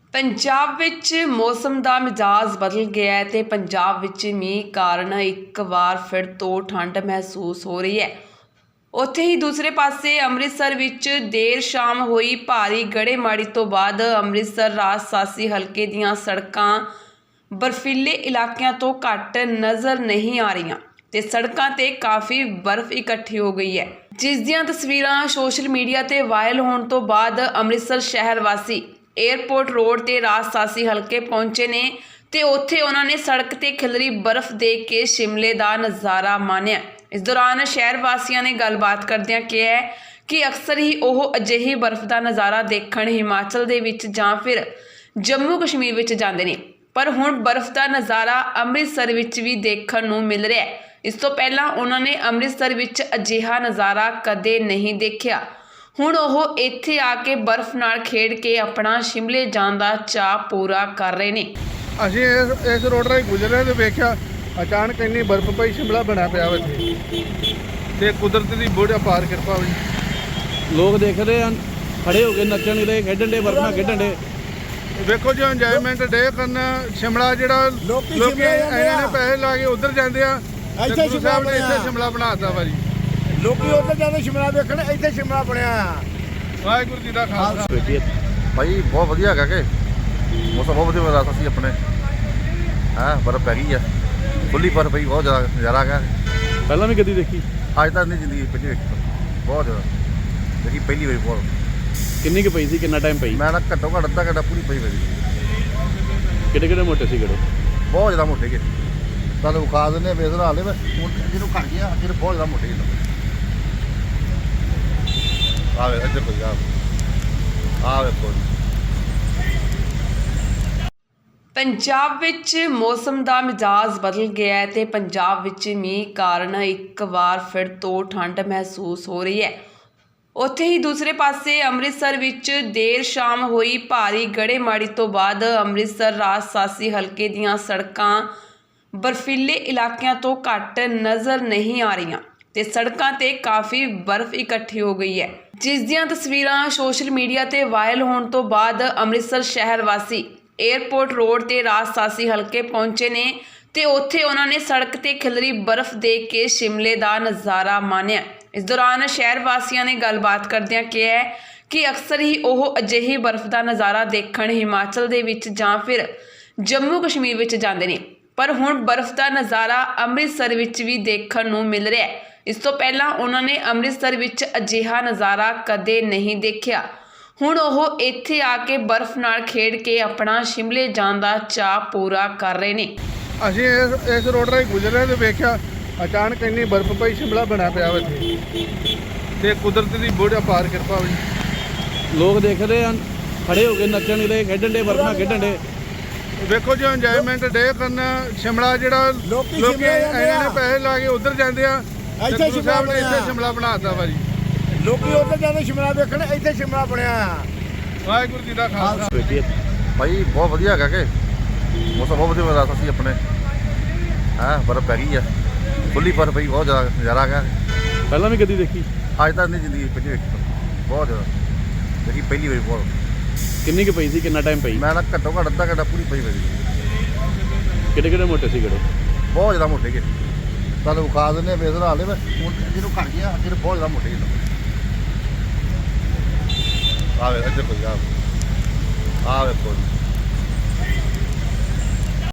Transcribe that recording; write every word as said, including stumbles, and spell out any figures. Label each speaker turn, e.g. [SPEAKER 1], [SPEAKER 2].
[SPEAKER 1] पंजाब विच मौसम का मिजाज बदल गया है ते पंजाब विच मींह कारण एक बार फिर तो ठंड महसूस हो रही है। उत्थे ही दूसरे पासे अमृतसर विच देर शाम हुई भारी गड़ेमारी तो बाद अमृतसर राजसासी हल्के दीयां सड़कां बर्फीले इलाकों तो घट नज़र नहीं आ रही ते सड़कों ते काफ़ी बर्फ इकट्ठी हो गई है, जिस दियां तस्वीरां सोशल मीडिया ते वायरल होने तो बाद अमृतसर शहर वासी एयरपोर्ट रोड ते राजसासी हल्के पहुंचे ने ते उत्थे उन्होंने सड़क ते खिलरी बर्फ देख के शिमले का नज़ारा मानिया। इस दौरान शहर वासियों ने गलबात करदियां कहा है कि अक्सर ही वह अजिही बर्फ का नज़ारा देखण हिमाचल दे विच जां फिर जम्मू कश्मीर विच जांदे ने, पर हुण बर्फ का नज़ारा अमृतसर विच भी देखण नूं मिल रहा है। इस तो पहलां उन्होंने अमृतसर विच अजिहा नज़ारा कदे नहीं देखा। हुण ओह इत्थे आके बर्फ नाल खेड के अपना शिमले जाण दा चाह पूरा कर रहे ने।
[SPEAKER 2] ਅਸੀਂ ਇਸ ਇਸ ਰੋਡ ਰਾਹੀਂ ਗੁਜ਼ਰੇ ਤੇ ਵੇਖਿਆ ਅਚਾਨਕ ਇੰਨੀ ਬਰਫ਼ ਪਈ, ਸ਼ਿਮਲਾ ਬਣਿਆ ਪਿਆ ਵਾ ਇੱਥੇ ਤੇ ਕੁਦਰਤ ਦੀ ਬੜੀ ਅਪਾਰ ਕਿਰਪਾ ਹੋਈ।
[SPEAKER 3] ਲੋਕ ਦੇਖ ਰਹੇ ਹਨ, ਖੜੇ ਹੋ ਕੇ ਨੱਚਣ ਦੇ, ਖੇਡਣ ਦੇ, ਬਰਫ਼ ਨਾਲ ਖੇਡਣ ਦੇ।
[SPEAKER 2] ਵੇਖੋ ਜੀ ਇੰਜੋਇਮੈਂਟ ਡੇ ਕਰਨ ਸ਼ਿਮਲਾ ਜਿਹੜਾ ਲੋਕੀ ਇਹਨਾਂ ਨੇ ਪੈਸੇ ਲਾ ਕੇ ਉਧਰ ਜਾਂਦੇ ਆ, ਇੱਥੇ ਸ਼ਿਮਲਾ ਨੇ ਇੱਥੇ ਸ਼ਿਮਲਾ ਬਣਾਤਾ ਵਾ ਜੀ।
[SPEAKER 4] ਲੋਕੀ ਉਧਰ ਜਾਂਦੇ ਸ਼ਿਮਲਾ ਵੇਖਣ, ਇੱਥੇ ਸ਼ਿਮਲਾ ਬਣਿਆ ਆ।
[SPEAKER 2] ਵਾਹਿਗੁਰੂ ਜੀ ਦਾ ਖਾਲਸਾ।
[SPEAKER 5] ਭਾਈ ਬਹੁਤ ਵਧੀਆ ਹੈਗਾ ਕਿ ਮੌਸਮ ਬਹੁਤ ਵਧੀਆ ਰਾਤ ਅਸੀਂ ਆਪਣੇ ਹਾਂ ਬਰਫ਼ ਪੈ ਗਈ ਆ, ਖੁੱਲੀ ਬਰਫ਼ ਪਈ, ਬਹੁਤ ਜ਼ਿਆਦਾ ਨਜ਼ਾਰਾ ਹੈਗਾ।
[SPEAKER 3] ਪਹਿਲਾਂ ਵੀ ਕਦੀ ਦੇਖੀ?
[SPEAKER 5] ਅੱਜ ਤੱਕ ਨਹੀਂ ਜ਼ਿੰਦਗੀ ਪਹਿਲੀ ਵੇਖੀ, ਬਹੁਤ ਜ਼ਿਆਦਾ ਦੇਖੀ ਪਹਿਲੀ ਵਾਰੀ। ਬਹੁਤ
[SPEAKER 3] ਕਿੰਨੀ ਕੁ ਪਈ ਸੀ, ਕਿੰਨਾ ਟਾਈਮ ਪਈ?
[SPEAKER 5] ਮੈਂ ਨਾ ਘੱਟੋ ਘੱਟ ਅੱਧਾ ਘੰਟਾ ਪੂਰੀ ਪਈ ਮੇਰੀ।
[SPEAKER 3] ਕਿਹੜੇ ਕਿਹੜੇ ਮੋਟੇ ਸੀ? ਕਿਹੜੇ
[SPEAKER 5] ਬਹੁਤ ਜ਼ਿਆਦਾ ਮੋਟੇ ਗੇ, ਤੁਹਾਨੂੰ ਵਿਖਾ ਦਿੰਦੇ ਬੇਸਰ ਹਾਲੇ ਮੈਂ ਹੁਣ ਜਿਹਨੂੰ ਘਟ ਗਿਆ, ਅੱਗੇ ਬਹੁਤ ਜ਼ਿਆਦਾ ਮੋਟੇ ਗੇ। ਆਵੇ ਇੱਧਰ ਕੋਈ ਆ ਆਵੇ ਕੋਈ
[SPEAKER 1] पंजाब विच मौसम का मिजाज बदल गया है ते पंजाब विच मींह कारण एक बार फिर तो ठंड महसूस हो रही है। उत्थे ही दूसरे पासे अमृतसर विच देर शाम हुई भारी गड़ेमारी तो बाद अमृतसर राजसासी हल्के दीयां सड़कां बर्फीले इलाकों तो घट नज़र नहीं आ रही ते सड़कों ते काफ़ी बर्फ इकट्ठी हो गई है, जिस दियां तस्वीरां सोशल मीडिया ते वायरल होने तो बाद अमृतसर शहर वासी एयरपोर्ट रोड ते राजसासी हल्के पहुंचे ने ते उत्थे उन्होंने सड़क ते खिलरी बर्फ देख के शिमले का नज़ारा मानिया। इस दौरान शहर वासियों ने गलबात करदियां कहा है कि अक्सर ही वह अजिही बर्फ का नज़ारा देखण हिमाचल दे विच जां फिर जम्मू कश्मीर विच जांदे ने, पर हुण बर्फ का नज़ारा अमृतसर विच भी देखण नूं मिल रहा है। इस तो पहलां उन्होंने अमृतसर विच अजिहा नज़ारा कदे नहीं देखा। हुण ओह इत्थे आके बर्फ नाल खेड के अपना शिमले जाण दा चाह पूरा कर रहे ने।
[SPEAKER 2] ਅਸੀਂ ਇਸ ਇਸ ਰੋਡ ਰਾਹੀਂ ਗੁਜ਼ਰੇ ਤੇ ਵੇਖਿਆ ਅਚਾਨਕ ਇੰਨੀ ਬਰਫ਼ ਪਈ, ਸ਼ਿਮਲਾ ਬਣਿਆ ਪਿਆ ਵਾ ਇੱਥੇ ਤੇ ਕੁਦਰਤ ਦੀ ਬੜੀ ਅਪਾਰ ਕਿਰਪਾ ਹੋਈ।
[SPEAKER 3] ਲੋਕ ਦੇਖ ਰਹੇ ਹਨ, ਖੜੇ ਹੋ ਕੇ ਨੱਚਣ ਦੇ, ਖੇਡਣ ਦੇ, ਬਰਫ਼ ਨਾਲ ਖੇਡਣ ਦੇ।
[SPEAKER 2] ਵੇਖੋ ਜੀ ਇੰਜੋਇਮੈਂਟ ਡੇ ਕਰਨ ਸ਼ਿਮਲਾ ਜਿਹੜਾ ਲੋਕੀ ਇਹਨਾਂ ਨੇ ਪੈਸੇ ਲਾ ਕੇ ਉਧਰ ਜਾਂਦੇ ਆ, ਇੱਥੇ ਸ਼ਿਮਲਾ ਨੇ ਇੱਥੇ ਸ਼ਿਮਲਾ ਬਣਾਤਾ ਵਾ ਜੀ।
[SPEAKER 4] ਲੋਕੀ ਉਧਰ ਜਾਂਦੇ ਸ਼ਿਮਲਾ ਵੇਖਣ, ਇੱਥੇ ਸ਼ਿਮਲਾ ਬਣਿਆ ਆ।
[SPEAKER 2] ਵਾਹਿਗੁਰੂ ਜੀ ਦਾ ਖਾਲਸਾ।
[SPEAKER 5] ਭਾਈ ਬਹੁਤ ਵਧੀਆ ਹੈਗਾ ਕਿ ਮੌਸਮ ਬਹੁਤ ਵਧੀਆ ਰਾਤ ਅਸੀਂ ਆਪਣੇ ਹਾਂ ਬਰਫ਼ ਪੈ ਗਈ ਆ, ਖੁੱਲੀ ਬਰਫ਼ ਪਈ, ਬਹੁਤ ਜ਼ਿਆਦਾ ਨਜ਼ਾਰਾ ਹੈਗਾ।
[SPEAKER 3] ਪਹਿਲਾਂ ਵੀ ਕਦੀ ਦੇਖੀ?
[SPEAKER 5] ਅੱਜ ਤੱਕ ਨਹੀਂ ਜ਼ਿੰਦਗੀ ਪਹਿਲੀ ਵੇਖੀ, ਬਹੁਤ ਜ਼ਿਆਦਾ ਦੇਖੀ ਪਹਿਲੀ ਵਾਰੀ। ਬਹੁਤ
[SPEAKER 3] ਕਿੰਨੀ ਕੁ ਪਈ ਸੀ, ਕਿੰਨਾ ਟਾਈਮ ਪਈ?
[SPEAKER 5] ਮੈਂ ਨਾ ਘੱਟੋ ਘੱਟ ਅੱਧਾ ਘੰਟਾ ਪੂਰੀ ਪਈ ਮੇਰੀ।
[SPEAKER 3] ਕਿਹੜੇ ਕਿਹੜੇ ਮੋਟੇ ਸੀ? ਕਿਹੜੇ
[SPEAKER 5] ਬਹੁਤ ਜ਼ਿਆਦਾ ਮੋਟੇ ਗੇ, ਤੁਹਾਨੂੰ ਵਿਖਾ ਦਿੰਦੇ ਬੇਸਰ ਹਾਲੇ ਮੈਂ ਹੁਣ ਜਿਹਨੂੰ ਘਟ ਗਿਆ, ਅੱਗੇ ਬਹੁਤ ਜ਼ਿਆਦਾ ਮੋਟੇ ਗੇ। ਆਵੇ ਇੱਧਰ ਕੋਈ ਆ ਆਵੇ ਕੋਈ